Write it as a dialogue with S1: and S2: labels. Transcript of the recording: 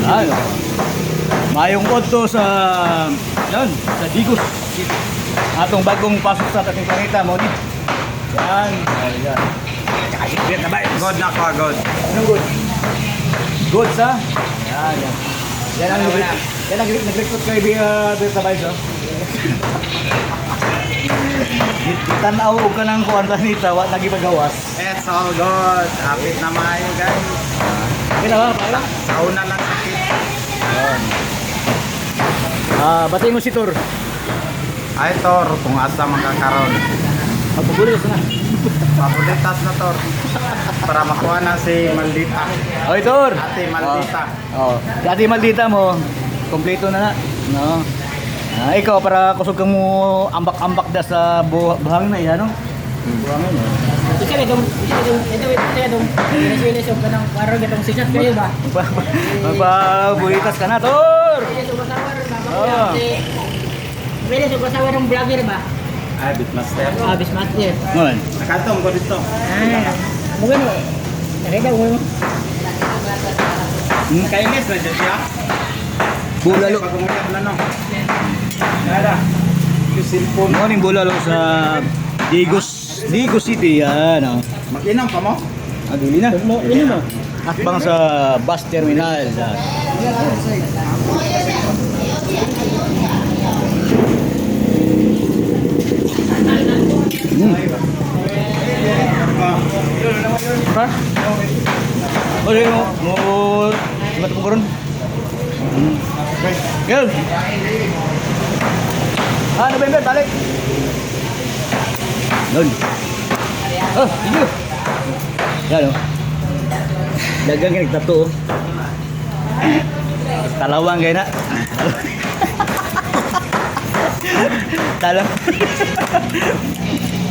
S1: Ano? Mayong odto sa yan, sa Digos City. Atong bagong pasok sa ating planeta mo ni. Yan, ayan. Kakasipit na ba?
S2: God na ko, God.
S1: Anong good? Good sa? Yan, yan. Yan ang nag-recruit kay Berta Bays, oh. Tanaw ka ng kuwan planeta, wala nagipagawas.
S2: It's all good. Apit na maayo, guys.
S1: Kailangan ba?
S2: Sauna lang sakit.
S1: Yan. Batiin mo si Tor.
S2: Ay, Tor, kung asa makakaroon.
S1: Magpagulis na.
S2: Papulitas na, Tor. Para makuha na si Maldita.
S1: Oy, Tor!
S2: Ate Maldita.
S1: Oh. Ate Maldita mo, kompleto na na. No? Ikaw, para kusog ka mo ambak-ambak da sa buhangin na yan, no? Buhangin, no?
S3: Ika na dong, Venezuela ka ng parang gatong sikat kayo ba?
S1: Magpabulitas ka na, Tor!
S3: Oh. Pwede sa kasawa ng vlogger ba?
S2: Ay, Bitmaster.
S3: Bismaster.
S1: Ngon.
S2: Nakatong ko dito.
S3: Mungkin mo. Nakita mo.
S2: Kainis na dyan siya.
S1: Bulalo.
S2: Pag-umuyab na, no? Nada. Yung cellphone.
S1: Morning bulalo sa Digos City, yan, oh.
S2: Mag-inom pa mo?
S1: Dili na.
S3: Ini mo.
S1: Hakbang sa bus terminal. Ha? O, sige mo. Sibat mo karon. Gil. November, balik. Lol. Oh, iyo. Yan, oh. Dagang yang nagtato, oh. Talawang kayo na. Talawang.